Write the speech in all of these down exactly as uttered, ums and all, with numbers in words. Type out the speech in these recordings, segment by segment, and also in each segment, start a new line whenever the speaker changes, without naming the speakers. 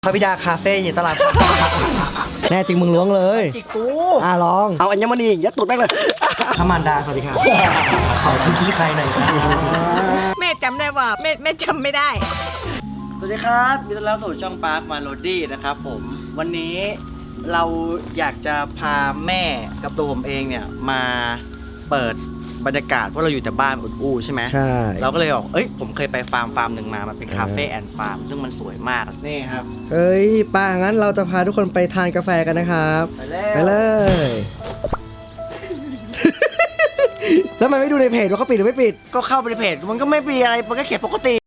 พระบิดาคาเฟ่อยู่ตลาด
แน่จริงมึงล้วงเลย
จิกกู
อ่ะลอง
เอาอัญมณียัดตูดแม่งเลยพระมารดาสวัสดีครับขอพี่ใครหน่อยครับ
แม่จำได้ว่าแม่แม่จำไม่ได้
สวัสดีครับยินดีต้อนรับสู่ช่องปาร์คมาโลดี้นะครับผมวันนี้เราอยากจะพาแม่กับตัวผมเองเนี่ยมาเปิดบรรยากาศเพราะเราอยู่แต่บ้านอุดอู้ใช่ไหม
ใช่
เราก็เลยบอกเอ้ยผมเคยไปฟาร์มฟาร์มหนึ่งมามันเป็นคาเฟ่แอนด์ฟาร์มซึ่งมันสวยมากนี่ครับ
เอ้ยป้างั้นเราจะพาทุกคนไปทานกาแฟกันนะครับ
ไป
ไปเลยแล้วมันไม่ดูในเพจว่าเขาปิดหรือไม่ปิด
ก็เข้าไปในเพจมันก็ไม่มีอะไรมันก็เขียนปกติ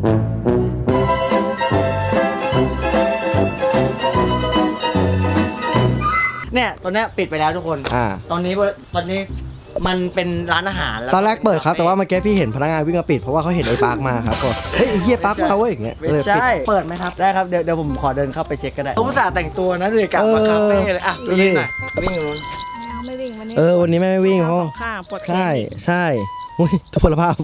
เนี่ยตอนนี้ปิดไปแล้วทุกคน
อ่า
ตอนนี้ตอนนี้มันเป็นร้านอาหาร
ตอนแรกเปิดครับแต่ว่าเมื่อกี้พี่เห็นพนักงานวิ่งมาปิดเพราะว่าเขาเห็นไอ้ปาร์คมาครับก็เฮ้ยไอ้เหี้ยปาร์คมาเว้ยอย่างเงี้ย
ไม่ใช่เปิดไหมครับได้ครับเดี๋ยวเดี๋ยวผมขอเดินเข้าไปเช็คก็ได้ผมอุตส่าห์แต่งตัวนะเลยกลับมาคาเฟ่เลยอ่ะวิ่งหน่อยวิ่งอยู่นู้น
ไม่วิ่งวันนี้
เออวันนี้แม่ไม่วิ่งเพราะ
ข้างปวดแขน
ใช่ใช่อุ้ยทุพพลภาพ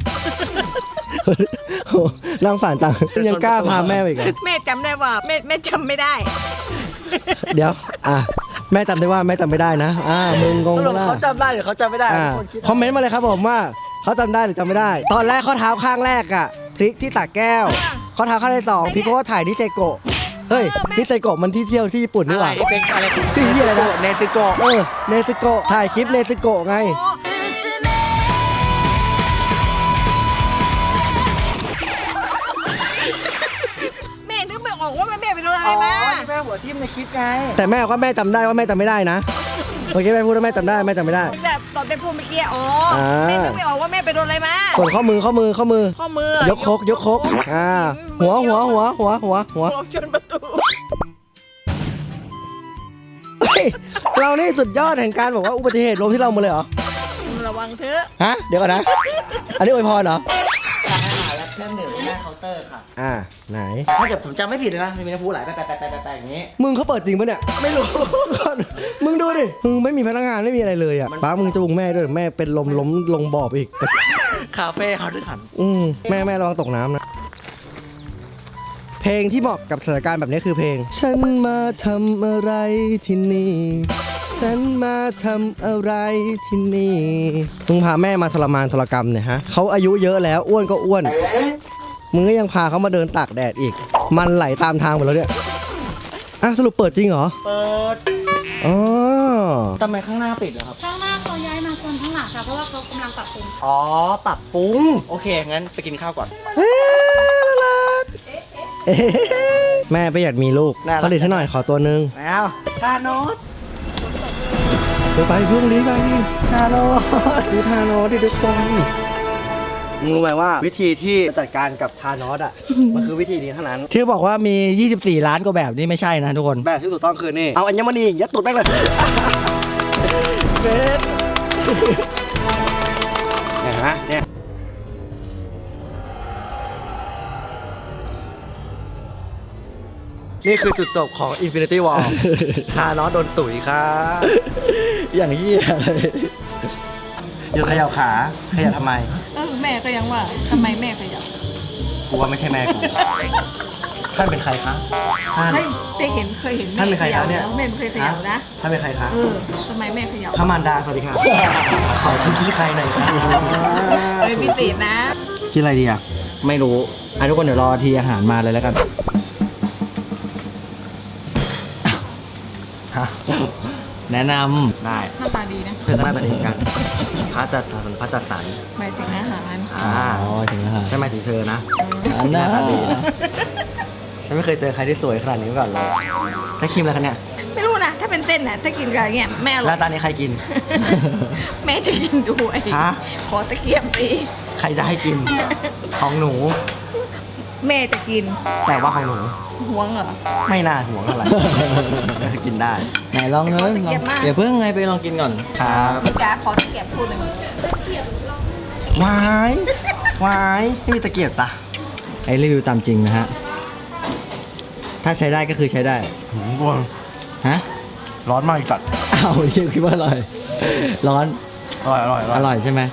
นั่งฝันจังยังกล้าพาแม่ไปอีก
แม่จำได้ว่าแม่แม่จำไม่ได้
เดี๋ยวอ่ะแม่จำได้ว่าแม่จำไม่ได้นะอ่ามึงงง
ละเขาจำได้หรือเขาจำไม่ได้
คอมเมนต์มาเลยครับผมว่าเขาจำได้หรือจำไม่ได้ตอนแรกข้อเท้าข้างแรกอ่ะพลิกที่ตักแก้วข้อเท้าข้างที่สองพลิกเพราะว่าถ่ายนิเตโกะเฮ้ยนิเตโกะมันที่เที่ยวที่ญี่ปุ่นนี่หว่าที่ที่อะไรนะ
เนติโกะ
เออเนติโกะถ่ายคลิปเนติโกะไง
บอกว่าแม่ไปโดนอะไรมา
อ๋อที่แม่หัวทิ่มในคลิปไง
แต่แม่ก็แม่จำได้ว่าแม่จำไม่ได้นะโอเคแม่พูดว่าแม่จำได้แม่จำไม่ได้
แบบตอนเป็นพูดเมื่อกี้อ๋อแม่นึกไม่ออกว่าแม่ไปโดนอะไรมา
ส่วนข้อมือข้อมือข้อมือ
ข้อมือย
กคกยกคกอ่าหัวหัวหัวหัวหัวหัว
ชนประตู
เรานี่สุดยอดแห่งการบอกว่าอุบัติเหตุลงที่เราหมดเลยเหรอ
ระวังเถอะ
ฮะเดี๋ยวก่อนนะอันนี้อวยพรเหรอ
ร้านอาหารและเครื่องดื่มหน้าเคาน์เตอร์ค่ะ
อ่าไหน
ถ้าเกิดผมจำไม่ผิดเลยนะมีน้ำพุไหลแปะแปะแปะแปะแปะอย่างนี้
มึงเขาเปิดจริงปะเนี่ย
ไม่รู้
มึงดูดิมึงไม่มีพนักงานไม่มีอะไรเลยอ่ะป้ามึงจูงแม่ด้วยแม่เป็นลมล้มลงบ่อไปอีก
คาเฟ่เขาด้วยกัน
อืมแม่แม่ระวังตกน้ำนะเพลงที่เหมาะกับสถานการณ์แบบนี้คือเพลงฉันมาทำอะไรที่นี่ฉันมาทำอะไรที่นี่มึงพาแม่มาทรมานทรกรรมเนี่ยฮะเขาอายุเยอะแล้วอ้วนก็อ้วนมึงก็ยังพาเขามาเดินตากแดดอีกมันไหลตามทางหมดแล้วเนี่ยอ่ะสรุปเปิดจริงเหรอ
เปิด
อ๋อ
ทำไมข้างหน้าปิดเหรอครับ
ข้างหน้าเขาย้ายมาโซนข้างหลังค่ะเพราะว่าเขากำลังปรับปรุง
อ๋อปรับปรุงโอเคงั้นไปกินข้าวก่อน
แม่ประหยัดมีลูกผลิตให้หน่อยขอตัวนึง
แล้วทานอส
เดี๋ยวไปพรุ่งนี้ไปทานอสดูทานอสดิทุกคนมึงรู้ไหมว่าวิธีที่จัดการกับทานอสอ่ะมันคือวิธีนี้เท่านั้นที่บอกว่ามียี่สิบสี่ล้านกว่าแบบนี่ไม่ใช่นะทุกคนแบบที่ถูกต้องคือนี่เอาอัญมณียัดตูดแม่งเลยเบสเห็นไหมเนี่ยนี่คือจุดจบของ Infinity War ทานอสโดนตุ๋ยครับอย่างเหี้ยเลยหยุดเขย่าขาเขย่าทำไม
เออแม่ก็ยังว่าทำไมแม่เขย่า
กูว่าไม่ใช่แม่กูท่านเป็นใครคะ
ท่านได้เห็นเคยเห็น
ท่านเป็นใครคะเนี่ย
แม่ไม่เคยเขย่านะ
ท่านเป็นใครคะ
เออทำไมแม่เขย่า
พระมารดาสวัสดีครับขอพี่ใครหน่อยครับ
เป็นพิเศษนะ
กินอะไรดีอ่ะ
ไม่รู้อ่ะทุกคนเดี๋ยวรอทีอาหารมาเลยแล้วกันแนะนำได้
หน้าตาดีนะ
เพื่อนหน้าตาดีกันพระจัดสรรพระจัดสรร
หมายถึงอาหาร
อ่า
อ๋อถึงอาหาร
ใช่ไหมถึงเธอนะหน้าตาดีนะฉันไม่เคยเจอใครที่สวยขนาดนี้มาก่อนเลยใช้ครีมอะไรคะเนี่ย
ไม่รู้นะถ้าเป็นเส้นน่ะถ้ากินกับเงี้ยแม่
แล้วตอนนี้ใครกิน
แม่จะกินด้วยขอตะเกียบสิ
ใครจะให้กินของหนู
แม่จะกิน
แต่ว่าของหนู
ห่วงเหรอ
ไม่น่าห่วงอะไรกินได้
ไหนลองเลยเดี๋ยวเพิ่งไงไปลองกินก่อน
ครับ
พี่จ๋าขอตะเกียบพูดหนึ่งตะเกียบ
วายวายไม่มีตะเกียบจ้ะ
ไอ้รีวิวตามจริงนะฮะถ้าใช้ได้ก็คือใช้ได้
หืมบวง
ฮะ
ร้อนมากอีกจัด
อ้าวคิดว่าอร่อยร้อน
อร่อยอร่อย
อร่อยใช่ไหม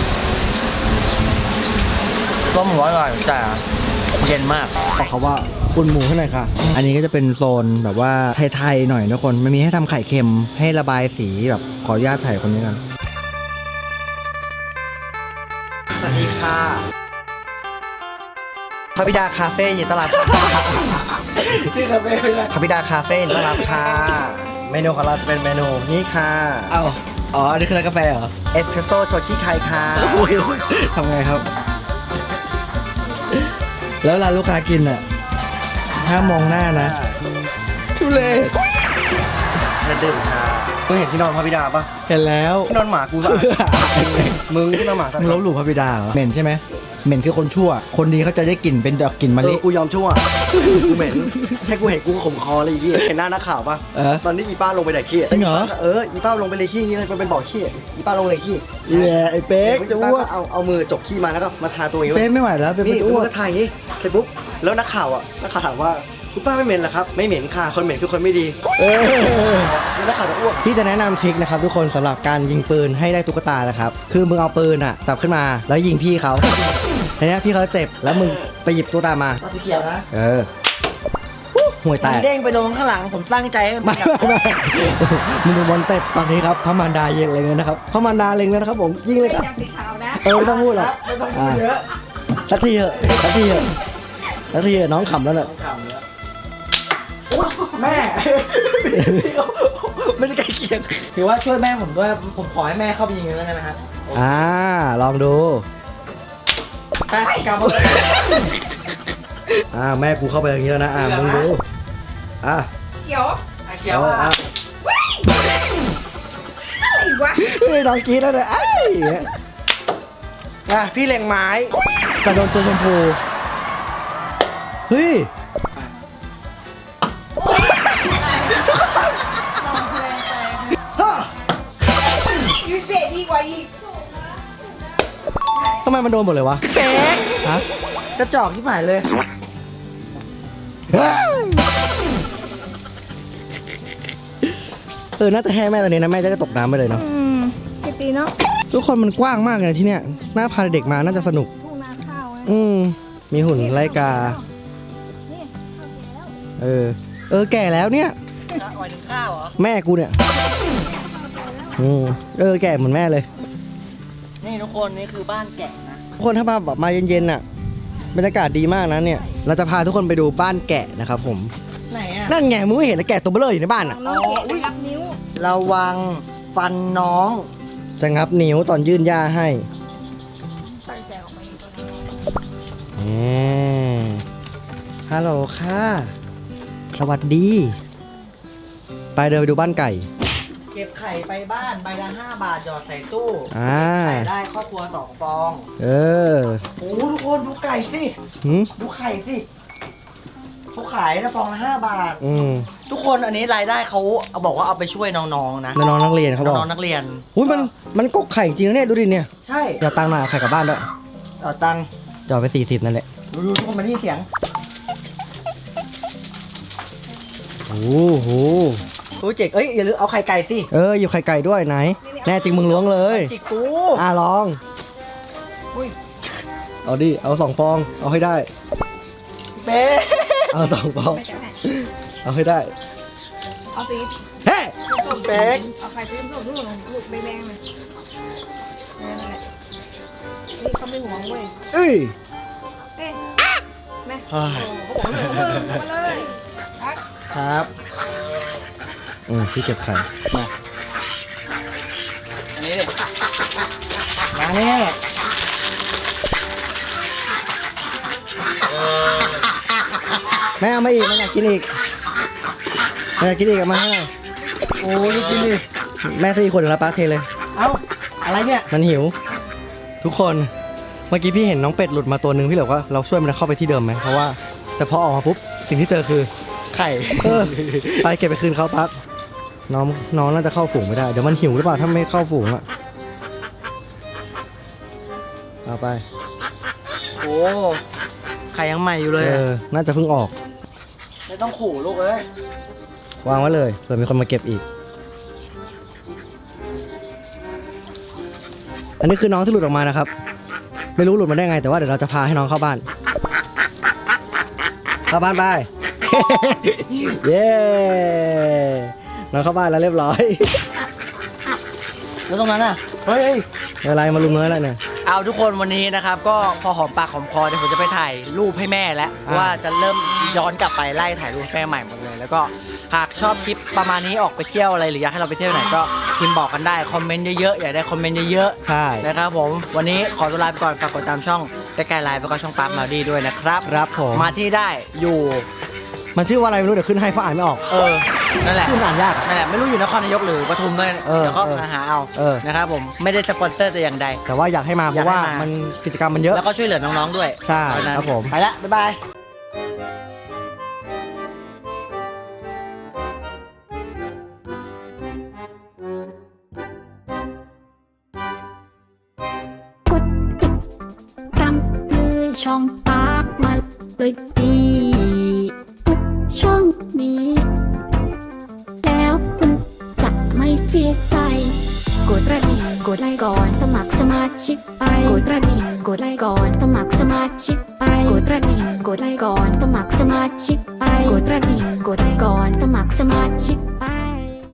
ก็มันร้อนอร่อยแต่เย็นมาก
เขาว่าอุ่นหมูให้หน่อยค่ะ อันนี้ก็จะเป็นโซนแบบว่าไทยๆหน่อยทุกคนมันมีให้ทำไข่เค็มให้ระบายสีแบบขออนุญาตถ่ายคนนี้กันสวัสดีค่ะพระบิดาคาเฟ่ยินดีต้อนรับที่คาเฟ่พระบิดาคาเฟ่ยินดีต้อนรับค่ะเมนูของเราจะเป็นเมนูนี่ค่ะ
เอ้าอ๋ออันนี้คือร้านกาแฟเหรอ
เอสเพรสโซ่โชชิไคค่ะ
ทำไงครับ
แล้วเวลาลูกค้ากินอ่ะห้ามมองหน้านะทุเรศเชิญดื่มค่ะมึงเห็นที่นอนพระบิดาปะ
เห็นแล้ว
ที่นอนหมากูสะอาดมึงที่นอนหมาสะอาด
มึงลบหลู่พระบิดาเหรอเหม็นใช่ไหมเหม็นคือคนชั่ว คนดีเขาจะได้กลิ่นเป็นดอกกลิ่นมะ
เอ
ลิ
อกูยอมชั่วกูเหม็นแค่กูเห็นกูก็ขมคอเลยอีกทีเห็นหน้านักข่าวปะ
เออ
ตอนนี้อีป้าลงไปไหนขี้
จริงเหรอ
เอออีป้าลงไปเลยขี้อย่างนี้เลยมันเป็นบ่อขี้อีป้าลงเลยขี้
เหี้ยไอ้เป๊กจะ
ป้า
อ้ว
ก็
ก
เอาเอามือจกขี้มาแล้วก็มาทาตัวเองไว้
เป๊กไม่ไหวแล้วเป็น
นี่
จะ
กู
อ้วก
ก็ถ่ายอย่างนี้เสร็จปุ๊บแล้วนักข่าวอ่ะนักข่าวถามว่าคุณป้าไม่เหม็นเหรอครับไม่เหม็นค่ะคนเหม็นคือคนไม่ดี
เออ
แล้วนักข่าวจะอ้วก
พี่จะแนะนำทริคนะครับทุกคนสำหรับการยิงปืนให้ได้ตุ๊กตานะครับคือมึงเอาปืนอ่ะจับขึ้นมาแล้วยิงพี่เขาทีนี้พี่เขาเจ็บแล้วมึงไปหยิบตุ๊กตามา
สีเขียวนะ
เออห่วยแต
มัน
ก
เด้งไปลงข้างหลังผมตั้งใจให้มัน
ไม่
กลับ
ไม่มึงดูบอลเตะตอนนี้ครับพระมารดายิงเลยนะครับพระมารดาเล็งเลยนะครับผมยิงเลยครับ
สีขาวนะ
เออไม่ต้องพูดหรอก
ไม่ต้องพูดเยอะ
สักทีเถอะสักทีเถอะสักทีเถอะน้องขำแล้วเนี่ย
แม่ ไม่ได้ใกล้เคียงถือว่าช่วยแม่ผมด้วยผมขอให้แม่เข้าไปยิงกันแล้วกันนะฮะ
อ่าลองดู
ไปกลับมา
อ่าแม่กูเข้าไปอย่างนี้แล้วนะอ่ามึงดูอ่ะ
เขียวเขียว
เอา
อ่ะ
อ่ะ
อะไรวะ
เฮ้ยน้องกรีดแล้วเนี่ยไอ้ย
อ่ะพี่เล็งไม้
จะโดนตัวชมพูเฮ้ย
ยูเซดีกว่าอีก
ทำไมมันโดนหมดเลยวะ
เป๊ก
ฮะ
กระจอกที่หมายเลย
เออน่าจะแห่แม่ตอนนี้นะแม่จะได้ตกน้ำไปเลยเนาะ
อืมพี่ตีเนาะ
ทุกคนมันกว้างมากเลยที่เนี้ยน่าพาเด็กมาน่าจะสนุก
ทุ่งนาข้าวไง
อืมมีหุ่นไล่กา
นี่ข้าวแล้ว
เออ เออแก่แล้วเนี่ย
หมายถึงข้าวเหรอ
แม่กูเนี่ย อืมเออแก่เหมือนแม่เลย
นี่ทุกคนนี่คือบ้านแกะนะ
ทุกคนถ้ามาแบบมาเย็นๆน่ะบรรยากาศดีมากนะเนี่ย เราจะพาทุกคนไปดูบ้านแกะนะครับผม
ไหนอ่ะ
นั่นไงมึงไม่เห็นนะแกะตัวเบลออยู่ในบ้านอ่ะ
น้องแกะไปรับนิ้ว
ระวังฟันน้อง จะงับนิ้วตอนยื่นยาให้
ตั้งใจออกมาอยู่ตรงนี้
อืมฮัลโหลค่ะ สวัสดี ไปเดินไปดูบ้านไก่
เก็บไข่ไปบ้านใบละห้าบาทหยอดใส่ตู้
อ่า
ไข่ได้ครอบครัวสองฟอง
เออ
โอ้ทุกคนดูไก่สิ
หืม
ดูไข่สิเขาขายนะฟองละห้าบาท
อืม
ทุกคนอันนี้รายได้เขาเอาบอกว่าเอาไปช่วยน้องๆนะ
น้องๆนักเรียนเขาบอก
น้องๆนักเรียน
อุ้ยมันมันกกไข่จริงนะเนี่ยดูดิเนี่ย
ใช่
เดี๋ยวตังค์มาเอาไข่กลับบ้านด้วย
เอาตังค์
จอดไปสี่สิบนั่นแหละ
ดูดูทุกคนมาที่เสียง
โอ้โห
โอ้เจ๋งเอ้ยอย่าลืมเอาไข่ไก่สิ
เอออยู่ไข่ไก่ด้วยไหน แน่จริงมึงล้วงเลย
จิกกู
อ่ะลอง
อุ้ย
เอาดิ เอาสองฟอง เอาให้ได้
เป๊
เอาสองฟอง เอาให้ได้
เอาสี
เฮ้
เป๊กเอาไข่สีส้มๆลูกลูกแดงๆเลยนั่นแหละนี่เขาไม่หวงเว้ย
เอ้ย
เอ๊ะแม่
เฮ้ย
เขาบอกเลยเขาบอกเลยทัก
ครับ อืมพี่เก็บไข่ มา
อันนี้เลยมาแน่
แม่เอามาอีกแม่อยากกินอีกแม่อยากกินอีกเอามาให้หน่อย
โอ้ยกินดิ
แม่สี่คนแล้วป้าเทเลย
เอ้าอะไรเนี่ย
มันหิว ทุกคน เมื่อกี้พี่เห็นน้องเป็ดหลุดมาตัวหนึ่งพี่เหลือว่าเราช่วยมันเข้าไปที่เดิมไหมเพราะว่าแต่พอออกมาปุ๊บสิ่งที่เจอคือ
ไข่
เออไปเก็บไปคืนเขาปั๊บน้องน้องน่าจะเข้าฝูงไม่ได้เดี๋ยวมันหิวหรือเปล่าถ้าไม่เข้าฝูงอะเอาไป
โอ้ไข่ยังใหม่อยู่เลย
เอ
อะ
อน่าจะเพิ่งออก
ไม่ต้องขู่ลูกเอ้ยว
างไว้เลยเผื่อมีคนมาเก็บอีก อันนี้คือน้องที่หลุดออกมานะครับ ไม่รู้หลุดมาได้ไงแต่ว่าเดี๋ยวเราจะพาให้น้องเข้าบ้าน ไป
เข้าบ้านไป เย้เราเข้าบ้านแล้วเรียบร้อย
แล้วตรงนั้นอ่ะเฮ้ย
อะไรมาลุมน้อยอะไรเนี่ย
เอาทุกคนวันนี้นะครับก็พอหอมปากหอมคอเดี๋ยวผมจะไปถ่ายรูปให้แม่แล้ว
อ่า
ว่าจะเริ่มย้อนกลับไปไล่ถ่ายรูปให้แม่ใหม่หมดเลย แล้วก็หากชอบคลิปประมาณนี้ออกไปเที่ยวอะไรหรืออยากให้เราไปเที่ยวไหนก็พิมพ์บอกกันได้คอมเมนต์เยอะๆอยากได้คอมเมนต์เยอะ
ใช่
ๆนะครับผมวันนี้ขอตัวลาไปก่อนฝากกดตามช่องใกล้ๆไลฟ์แล้วก็ช่องปาร์คมาดีด้วยนะครับ
ครับผม
มาที่ได้อยู่
มันชื่อว่าอะไรไม่รู้เดี๋ยวขึ้นให้เพราะอ่านไม่ออก
เออนั่นแหละ
ชื่อมันอ่านยาก
นั่นแหละไม่รู้อยู่นครนายกหรือปทุมด้วย
เออ
เดี๋ยวก็
เออ
หาเอา
เออ
นะครับผมไม่ได้สปอนเซอร์แต่อย่างใด
แต่ว่าอยากให้มาเพ
อยาก
ราะ
ให้
ว่า
มามั
มันกิจกรรมมันเยอะ
แล้วก็ช่วยเหลือน้องๆด้วย
ใช่
เพาะฉะนั้น
ครับผม
ไปละบ๊ายบาย
กดติดตามเลยช่องปากมาเลยดีทุกช่องนี้ แล้วคุณจะไม่เสียใจกดกระดิ่งกดไลค์ก่อนสมัครสมาชิกไปกดกระดิ่งกดไลค์ก่อนสมัครสมาชิกไปกดกระดิ่งกดไลค์ก่อนสมัครสมาชิกไปกดกระดิ่งกดไลค์ก่อนสมัครสมาชิกไป